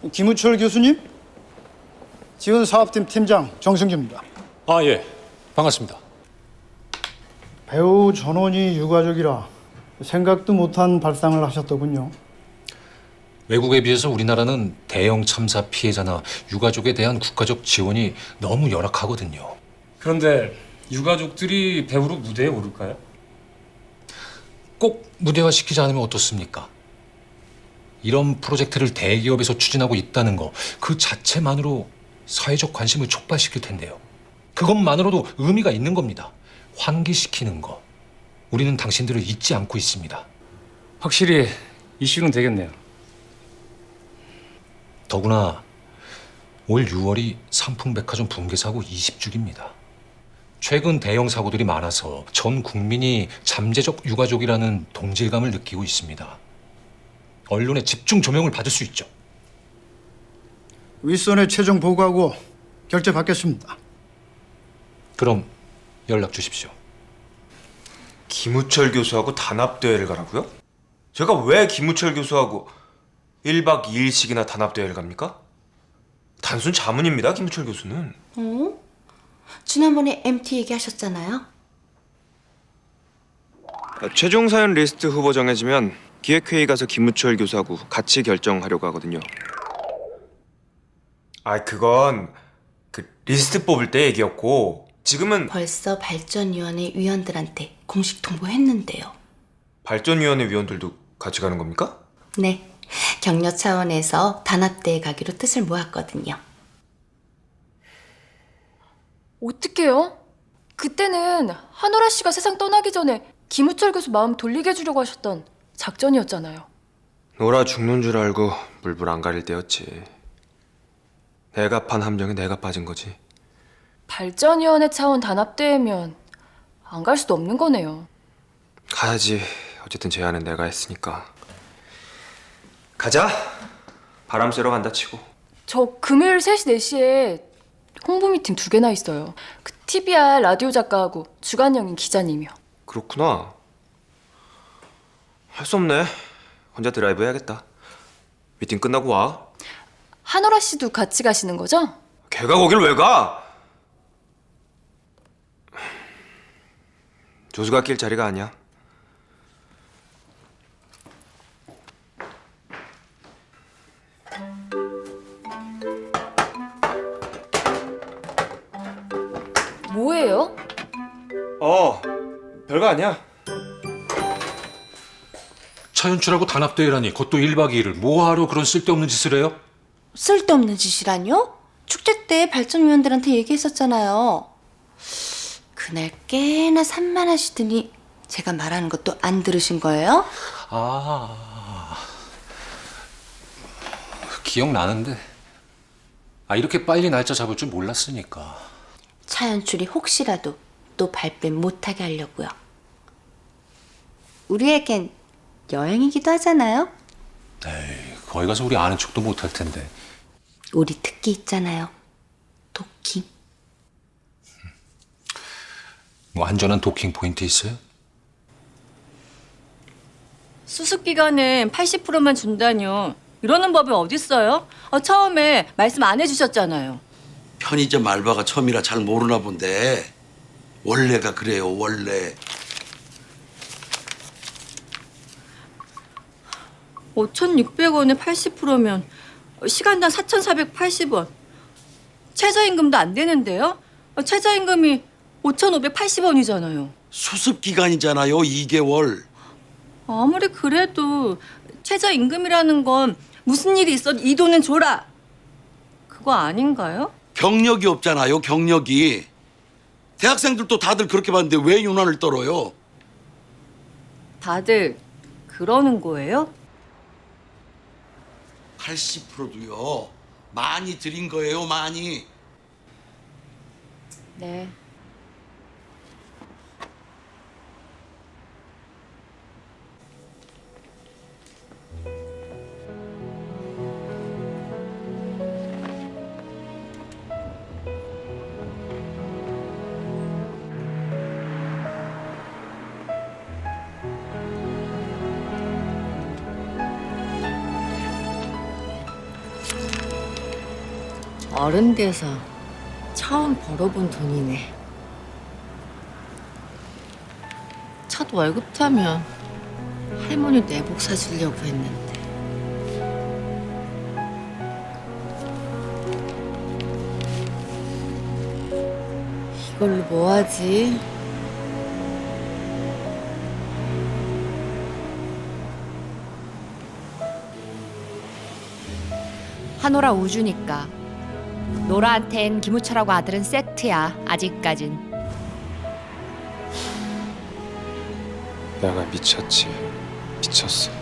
김우철 교수님, 지원 사업팀 팀장 정승규입니다. 아, 예. 반갑습니다. 배우 전원이 유가족이라 생각도 못한 발상을 하셨더군요. 외국에 비해서 우리나라는 대형 참사 피해자나 유가족에 대한 국가적 지원이 너무 열악하거든요. 그런데 유가족들이 배우로 무대에 오를까요? 꼭 무대화시키지 않으면 어떻습니까? 이런 프로젝트를 대기업에서 추진하고 있다는 거, 그 자체만으로 사회적 관심을 촉발시킬 텐데요. 그것만으로도 의미가 있는 겁니다. 환기시키는 거. 우리는 당신들을 잊지 않고 있습니다. 확실히 이슈는 되겠네요. 더구나 올 6월이 삼풍백화점 붕괴 사고 20주기입니다. 최근 대형 사고들이 많아서 전 국민이 잠재적 유가족이라는 동질감을 느끼고 있습니다. 언론의 집중 조명을 받을 수 있죠. 윗선에 최종 보고하고 결재 받겠습니다. 그럼 연락 주십시오. 김우철 교수하고 단합대회를 가라고요? 제가 왜 김우철 교수하고 1박 2일씩이나 단합대회를 갑니까? 단순 자문입니다, 김우철 교수는. 지난번에 MT 얘기하셨잖아요. 최종 사연 리스트 후보 정해지면 기획회의 가서 김우철 교수하고 같이 결정하려고 하거든요. 그건 그 리스트 뽑을 때 얘기였고 지금은 벌써 발전위원회 위원들한테 공식 통보했는데요. 발전위원회 위원들도 같이 가는 겁니까? 네, 격려 차원에서 단합대회 가기로 뜻을 모았거든요. 어떡해요? 그때는 한오라 씨가 세상 떠나기 전에 김우철 교수 마음 돌리게 해주려고 하셨던 작전이었잖아요. 놀아 죽는 줄 알고 물불 안 가릴 때였지. 내가 판 함정에 내가 빠진 거지. 발전위원회 차원 단합대회면 안 갈 수도 없는 거네요. 가야지. 어쨌든 제안은 내가 했으니까. 가자. 바람 쐬러 간다 치고. 저 금요일 3시, 4시에 홍보 미팅 2개나 있어요. 그 TBR 라디오 작가하고 주간영인 기자님이요. 그렇구나. 할 수 없네. 혼자 드라이브 해야겠다. 미팅 끝나고 와. 한오라 씨도 같이 가시는 거죠? 걔가 거길 왜 가? 조수가 낄 자리가 아니야. 뭐예요? 별거 아니야. 차연출하고 단합대회라니 그것도 1박 2일을 뭐하러 그런 쓸데없는 짓을 해요? 쓸데없는 짓이라뇨? 축제 때 발전위원들한테 얘기했었잖아요. 그날 꽤나 산만하시더니 제가 말하는 것도 안 들으신 거예요? 기억나는데 이렇게 빨리 날짜 잡을 줄 몰랐으니까. 차연출이 혹시라도 또 발뺌 못하게 하려고요. 우리에겐 여행이기도 하잖아요. 에이, 거기 가서 우리 아는 척도 못할 텐데. 우리 특기 있잖아요. 도킹. 뭐 안전한 도킹 포인트 있어요? 수습 기간은 80%만 준다뇨. 이러는 법이 어딨어요? 처음에 말씀 안 해주셨잖아요. 편의점 알바가 처음이라 잘 모르나 본데 원래가 그래요, 원래. 5,600원에 80%면 시간당 4,480원. 최저임금도 안 되는데요? 최저임금이 5,580원이잖아요. 수습 기간이잖아요, 2개월. 아무리 그래도 최저임금이라는 건 무슨 일이 있어도 이 돈은 줘라. 그거 아닌가요? 경력이 없잖아요, 경력이. 대학생들도 다들 그렇게 봤는데 왜 유난을 떨어요? 다들 그러는 거예요? 80%도요. 많이 드린 거예요, 많이. 네. 어른 돼서 처음 벌어본 돈이네. 첫 월급 타면 할머니 내복 사주려고 했는데. 이걸로 뭐 하지? 한오라 우주니까. 노라한텐 김우철하고 아들은 세트야. 아직까진. 내가 미쳤지. 미쳤어.